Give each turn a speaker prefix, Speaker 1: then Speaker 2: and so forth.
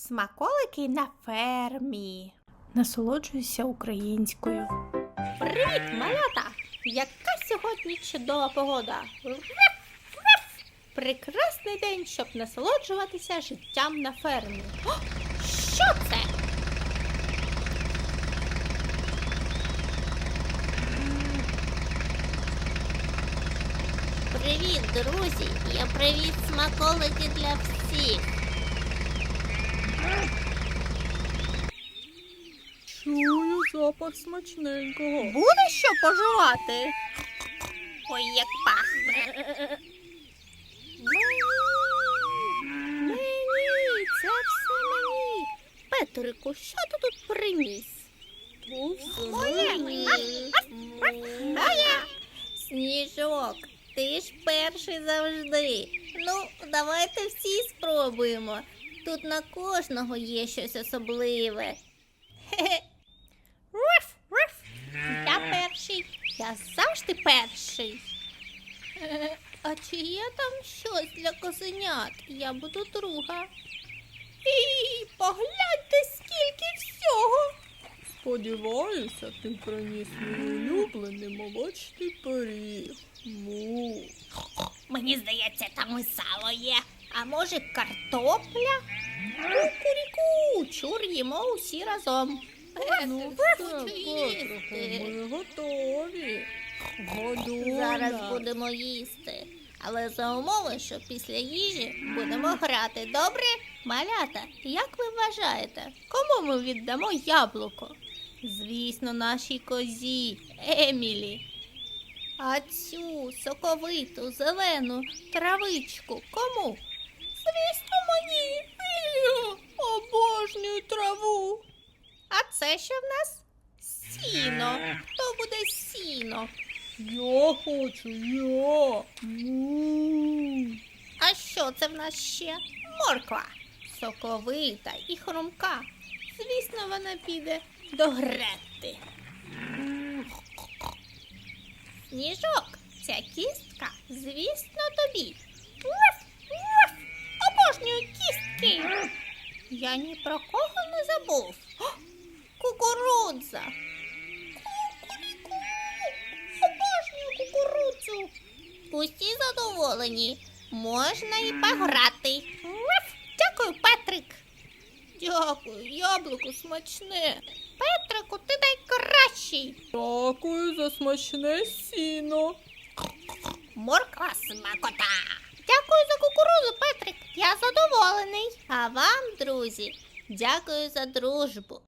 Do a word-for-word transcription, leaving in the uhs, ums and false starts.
Speaker 1: Смаколики на фермі. Насолоджуюся українською. Привіт, малята! Яка сьогодні чудова погода! Прекрасний день, щоб насолоджуватися життям на фермі. О, що це?
Speaker 2: Привіт, друзі! Я привіз смаколики для всіх.
Speaker 3: Чую запах смачненького.
Speaker 1: Буде що поживати?
Speaker 2: Ой, як пахне.
Speaker 1: Мені, мені, це все мені. Петрику, що ти тут приніс?
Speaker 3: То все
Speaker 1: Моє.
Speaker 3: мені.
Speaker 1: Моє.
Speaker 2: Сніжок, ти ж перший завжди. Ну, давайте всі спробуємо. Тут на кожного є щось особливе. Хе-хе.
Speaker 1: Руф, руф. Я перший. Я завжди перший.
Speaker 2: Е, А чи є там щось для козенят? Я буду друга.
Speaker 1: І погляньте, скільки всього.
Speaker 3: Сподіваюся, ти приніс мій улюблений молочний пиріг. Му.
Speaker 2: Мені здається, там і сало є. А може, картопля?
Speaker 1: Кукуріку, чур їмо усі разом.
Speaker 3: Ну
Speaker 2: хочу
Speaker 3: все,
Speaker 2: їсти.
Speaker 3: Петрику, ми готові. Годуй
Speaker 2: Зараз
Speaker 3: нас.
Speaker 2: будемо їсти. Але за умови, що після їжі будемо грати. Добре?
Speaker 1: Малята, як ви вважаєте, кому ми віддамо яблуко? Звісно, нашій козі Емілі. А цю соковиту, зелену травичку кому? Звісно, мені. Я обожнюю траву. А це що в нас? Сіно. Хто буде сіно?
Speaker 3: Я хочу, я. Му.
Speaker 1: А що це в нас ще? Морква. Соковита і хрумка. Звісно, вона піде до Гретти. Сніжок, ця кістка, звісно, тобі. Уф, уф, обожнюю кістки. Я ні про кого не забув. О, кукурудза. Кукуріку. Обожнюю кукурудзу.
Speaker 2: Усі задоволені. Можна і пограти.
Speaker 1: Уф, дякую, Петрик. Дякую, яблуко смачне. Петрику, ти найкращий.
Speaker 3: Дякую за смачне сіно.
Speaker 2: Морква смакота.
Speaker 1: Дякую за кукурудзу, Петрик. Я задоволений.
Speaker 2: А вам, друзі, дякую за дружбу.